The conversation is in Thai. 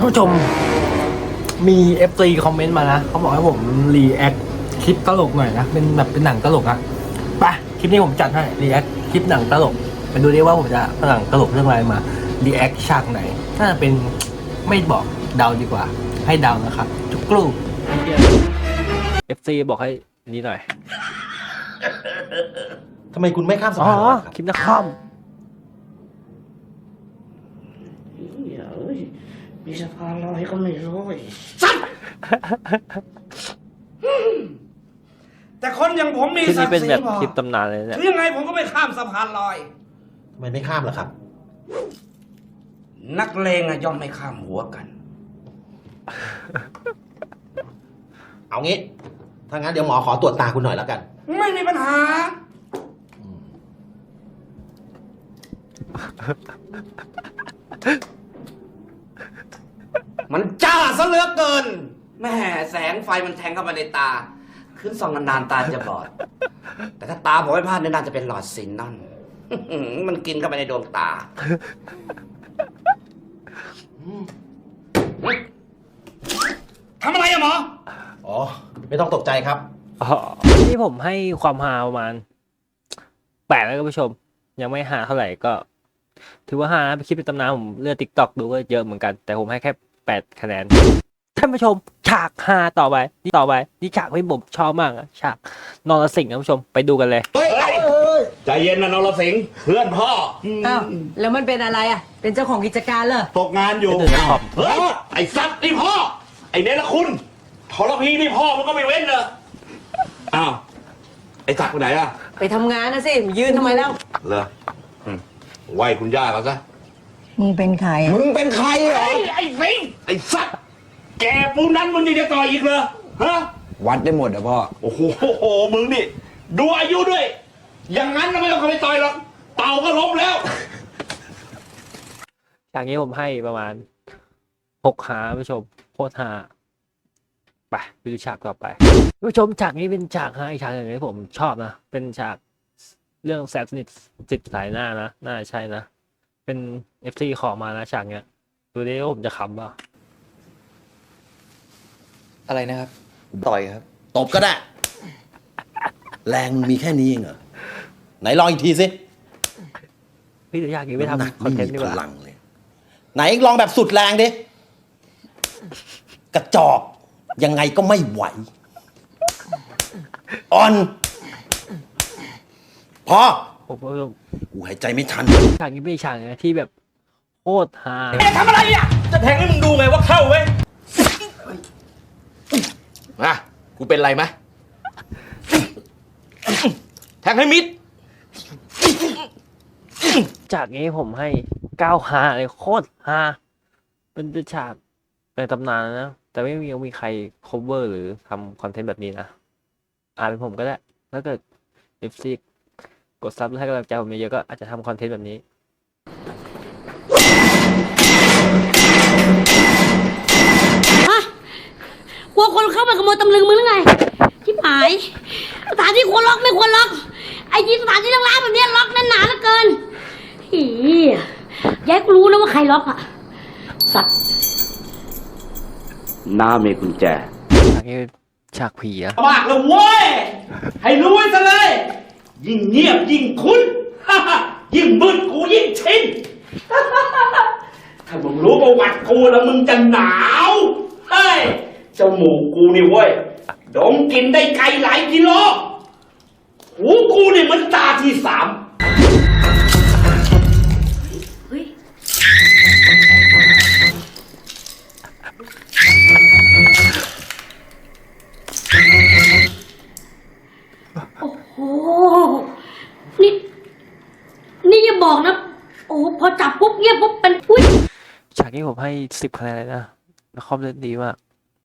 ท่านผู้ชมมี FC คอมเมนต์มานะเขาบอกให้ผมรีแอคคลิปตลกหน่อยนะเป็นแบบเป็นหนังตลกอะไปคลิปนี้ผมจัดให้รีแอคคลิปหนังตลกไปดูดิว่าผมจะหนังตลกเรื่องอะไรมารีแอคฉากไหนถ้าเป็นไม่บอกเดาดีกว่าให้เดานะครับจุกกลู FC บอกให้นี้หน่อยทำไมคุณไม่ข้ามสะอ๋อพานล่ะครับคลิปนักคอมมีสะพานลอยก็ไม่รู้อีกแต่คนอย่างผมมีคลิปศันี้กเป็นดิ์ศรีแบบพอคลิปตำนานเลยเนี่ยถึงยังไงผมก็ไม่ข้ามสะพานลอยทำไมไม่ข้ามล่ะครับนักเลงอะย่อมไม่ข้ามหัวกันเอางี้ ถ้างั้นเดี๋ยวหมอขอตรวจตาคุณหน่อยแล้วกันไม่มีปัญหา มันจ้าซะเหลือเกินแม่แสงไฟมันแทงเข้ามาในตา ขึ้นส่องนานๆตาจะบอด แต่ถ้าตาผมไม่พลาดเนี่ยน่าจะเป็นหลอดซินนอน มันกินเข้าไปในดวงตา ทำอะไรอะหมออ๋อ ไม่ต้องตกใจครับอ๋อนี่ผมให้ความฮาประมาณ8แล้วก็ผู้ชม ยังไม่ฮาเท่าไหร่ก็ ถือว่าฮานะไปคลิปเป็นตำนานผมเลือก TikTok ดูก็เยอะเหมือนกัน แต่ผมให้แค่8 คะแนนท่านผู้ชม ฉากฮาต่อไปนี่ฉากที่ผมชอบมากอะฉากนรสิงห์ท่านผู้ชมไปดูกันเลยใจเย็นนะนรสิงห์เพื่อนพ่ออ้าวแล้วมันเป็นอะไรอ่ะ เป็นเจ้าของกิจการเหรอตกงานอยู่เป็นเดือนขอบเฮ้ยไอ้สัตว์นี่พ่อ ไอ้เนรคุณทรพีนี่พ่อมันก็ไม่เว้นเลยอ้าวไอ้สัตว์ไปไหนอะไปทำงานนะสิยืนทำไมแล้วเหรอไหวคุณย่าเขาซะมึงเป็นใครมึงเป็นใครเหรอไอ้สิงห์ไอ้สัตว์แกปูนั้นมึงยังจะต่ออีกเหรอฮะวัดได้หมดอะพ่อโอ้โหมึงนี่ดูอายุด้วย อย่างนั้นก็ไม่ต้องเข้าไปต่อยหรอกเต่าก็ล้มแล้วฉากนี้ผมให้ประมาณ6 หาผู้ชมโคตรฮาไปดูฉากต่อไปผู้ชมฉากนี้เป็นฉากฮาอีกฉากหนึ่งที่ผมชอบนะเป็นฉากเรื่องแสบสนิทจิตสายหน้านะน่าใช่นะเป็น FC ขอมานะฉากเนี้ยดูดิว่าผมจะขำป่ะอะไรนะครับ ต่อยครับตบก็ได้ แรงมึงมีแค่นี้เองเหรอ ไหนลองอีกทีสิพี่เดี๋ยวอยากกินไปน้ำหนักทำคอนไม่เทนมีต์ดีพกว่าลังเลย ไหนลองแบบสุดแรงดิ กระจอก ยังไงก็ไม่ไหว อ่อน พอผมก็กูหายใจไม่ทันฉากนี้เป็นฉากนะที่แบบโคตรฮาทำอะไรอ่ะจะแทงให้มึงดูไงว่าเข้าเว้ยมากูเป็นไรไหมแทงให้มิดฉากนี้ผมให้9 ฮาเลยโคตรฮาเป็นฉากในตำนานนะแต่ไม่มีใคร cover หรือทำคอนเทนต์แบบนี้นะเป็นผมก็ได้ถ้าเกิด FC กดซับให้กำลังใจผมเยอะๆก็อาจจะทำคอนเทนต์แบบนี้กลัวคนเข้ามาขโมยตำลึงมึงหรือไงชิบหายสถานที่ควรล็อกไม่ควรล็อก ไอ้ที่สถานที่ร้างๆแบบเนี้ยล็อกแน่นหนาเหลือเกินฮีแยกรู้นะว่าใครล็อกอะสัตว์น้ามีกุญแจฉากนี้ฉากผีอะมากเลยเว้ย ให้รู้ไว้ซะเลย ยิ่งเงียบยิ่งคุ้น ยิ่งมืดกูยิ่งชิน ถ้ามึงรู้ประวัติกูแล้วมึงจะหนาวเฮ้ยจมูกกูนี่เว้ยดมกลินได้ไกลหลายกิโล หูกูนี่เหมือนตาที่สามเฮ้ยโอ้โหนี่นี่อย่าบอกนะโอ้โหพอจับปุ๊บเงียบปุ๊บเป็นอุ้ยฉากนี้ผมให้10 คะแนนเลยนะแล้วคอมเล่นดีมาก